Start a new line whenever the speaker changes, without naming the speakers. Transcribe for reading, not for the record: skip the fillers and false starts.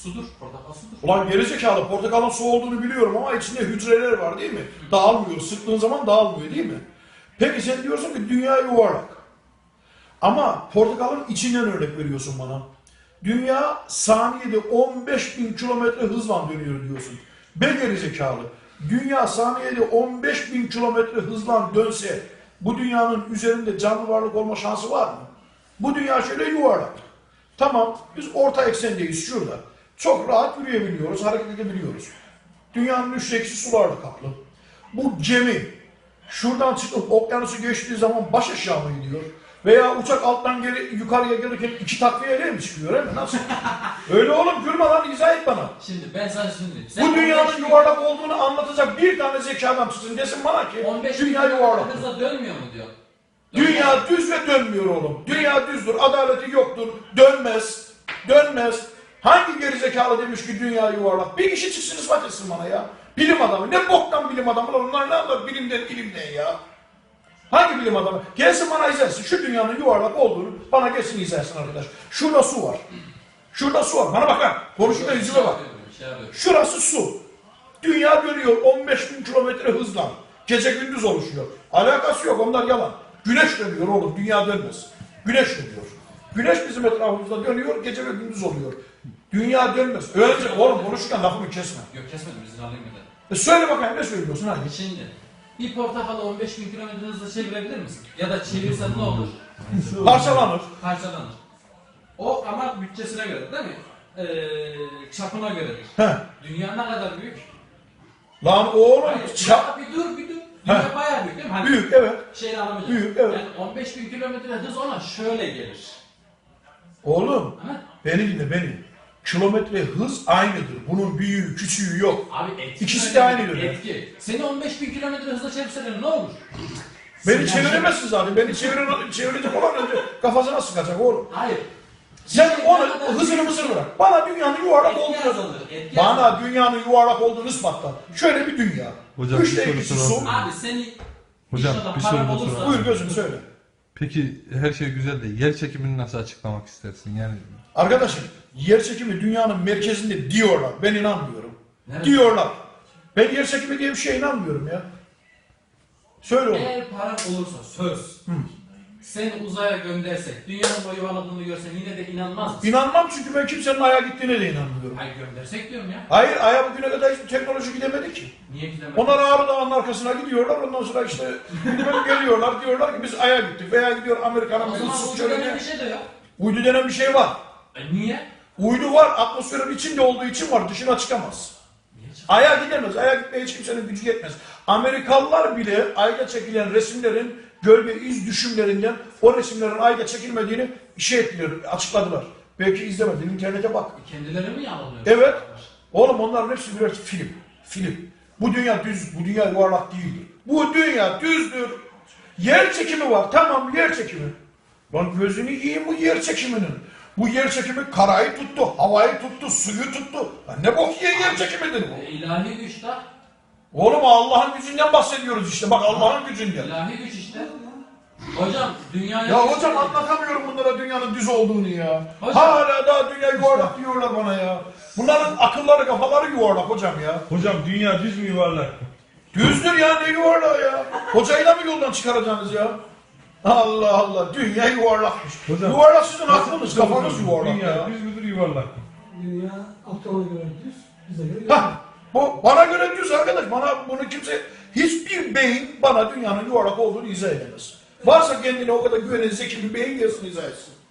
Sudur. Portakal sudur.
Ulan gerizekalı, portakalın su olduğunu biliyorum ama içinde hücreler var değil mi? Dağılmıyor. Sıktığın zaman dağılmıyor değil mi? Peki sen diyorsun ki dünya yuvarlak. Ama portakalın içinden örnek veriyorsun bana. Dünya saniyede 15.000 kilometre hızla dönüyor diyorsun. Be gerizekalı. Dünya saniyede 15.000 kilometre hızla dönse bu dünyanın üzerinde canlı varlık olma şansı var mı? Bu dünya şöyle yuvarlak. Tamam, biz orta eksendeyiz şurada. Çok rahat yürüyebiliyoruz, hareket edebiliyoruz. Dünyanın üçte ikisi sularla kaplı. Bu gemi şuradan çıkıp okyanusu geçtiği zaman baş aşağı mı gidiyor? Veya uçak alttan yukarıya gelirken iki takviyeyle mi çıkıyor, değil mi? Nasıl? Öyle oğlum, gülme lan, izah et bana.
Şimdi ben sana şimdi...
Bu dünyanın yuvarlak olduğunu anlatacak bir tane zeki adam çıksın desin bana ki
15
dünya yuvarlak.
hızla dönmüyor mu diyor.
Dünya düz ve dönmüyor oğlum. Dünya düzdür, adaleti yoktur, dönmez, dönmez. Hangi gerizekalı demiş ki dünya yuvarlak? Bir kişi çıksın ispat etsin bana ya. Bilim adamı, ne boktan bilim adamı, onlar ne anlar bilimden ilimden ya. Hangi bilim adamı? Gelsin bana izlersin, şu dünyanın yuvarlak olduğunu bana gelsin izlersin arkadaş. Şurada su var. Şurada su var, bana bak lan, konuşurken yüzüme bak. Şurası su. Dünya dönüyor 15.000 kilometre hızla. Gece gündüz oluşuyor. Alakası yok, onlar yalan. Güneş dönüyor oğlum, dünya dönmez. Güneş dönüyor. Güneş bizim etrafımızda dönüyor, gece ve gündüz oluyor. Dünya dönmez. Öylece oğlum konuşurken lafımı kesme.
Yok kesmedim, izin alayım bir de.
Söyle bakayım, ne söylüyorsun hadi.
Şimdi bir portakalı 15.000 kilometre hızla çevirebilir misin? Ya da çevirsen ne olur?
Parçalanır.
Parçalanır. O ama bütçesine göre değil mi? Çapına göredir.
He.
Dünya ne kadar büyük?
Lan oğlum
Ya bir dur. Dünya bayağı büyük değil mi? Hani
büyük, evet.
şeyini alamayacak.
Büyük, evet.
Yani 15.000 kilometre hız ona şöyle gelir.
Oğlum
Ha?
beni dinle beni. Kilometre hız aynıdır. Bunun büyüğü küçüğü yok.
Abi etki.
İkisi de aynıdır.
Etki. Seni 15.000 kilometre hızla çevirseler ne olur?
Beni çeviremezsin zaten. Beni çevirecek olan önce kafasına sıkacak oğlum.
Hayır.
Sen onu hızını mısır bırak. Bana dünyanın yuvarlak olduğunu bana dünyanın yuvarlak olduğunu ispatla. Şöyle bir dünya.
Hocam,
Üçte
bir
ikisi
soru
su.
Abi seni
Hocam,
inşallah
bir
paran
soru da
olursa...
soralım.
Buyur gözüm söyle.
Peki her şey güzel de yer çekimini nasıl açıklamak istersin? Yani
Arkadaşım yer çekimi dünyanın merkezinde diyorlar. Ben inanmıyorum.
Nerede?
Diyorlar. Ben yer çekimi diye bir şeye inanmıyorum ya. Söyle oğlum.
Eğer paran olursa söz. Seni uzaya göndersek, dünyanın boyu yuvarladığını görsen yine de inanmaz mısın?
İnanmam çünkü ben kimsenin Ay'a gittiğine de inanmıyorum.
Hayır göndersek diyorum ya.
Hayır, Ay'a bugüne kadar hiçbir teknoloji gidemedi ki.
Niye gidemez?
Onlar Ağrı Dağı'nın arkasına gidiyorlar, ondan sonra işte geliyorlar, diyorlar ki biz Ay'a gittik veya gidiyor Amerika'nın
O zaman
ıssız
uydu denen
çölüne.
bir şey de yok.
Uydu denen bir şey var.
Niye?
Uydu var, atmosferin içinde olduğu için var, dışına çıkamaz. Ay'a gidemez, Ay'a gitmeye hiç kimsenin gücü yetmez. Amerikalılar bile Ay'da çekilen resimlerin gölge iz düşümlerinden o resimlerin Ay'da çekilmediğini açıkladılar. Belki izlemedin, internete bak.
Kendileri mi yalanlıyor?
Evet. Oğlum onların hepsi birer film. Film. Bu dünya düz, bu dünya yuvarlak değildir. Bu dünya düzdür. Yer çekimi var. Tamam, yer çekimi. Lan gözünü yiyeyim bu yer çekiminin. Bu yer çekimi karayı tuttu, havayı tuttu, suyu tuttu. Lan ne bok yiyen yer çekimidir bu?
İlahi güç de.
Oğlum Allah'ın gücünden bahsediyoruz işte. Bak Allah'ın gücünden.
İlahi güç işte. Hocam dünyaya...
Ya hocam anlatamıyorum bunlara dünyanın düz olduğunu ya.
Hocam.
Hala daha dünya yuvarlak diyorlar bana ya. Bunların akılları kafaları yuvarlak hocam ya.
Hocam dünya düz mü yuvarlak mı?
Düzdür ya, ne yuvarlağı ya. Hocayı da mı yoldan çıkaracaksınız ya? Allah Allah, dünya yuvarlakmış.
Hocam,
yuvarlak sizin aklınız, kafanız yuvarlak
dünya
ya.
düz müdür yuvarlak mı?
Dünya Aptal'a göre düz, bize göre yuvarlak.
Hah, bu bana göre düz arkadaş. Bana bunu kimse, hiçbir beyin bana dünyanın yuvarlak olduğunu izah edemez. Varsa kendine o kadar güvenen zeki bir beyin gelsin izah etsin.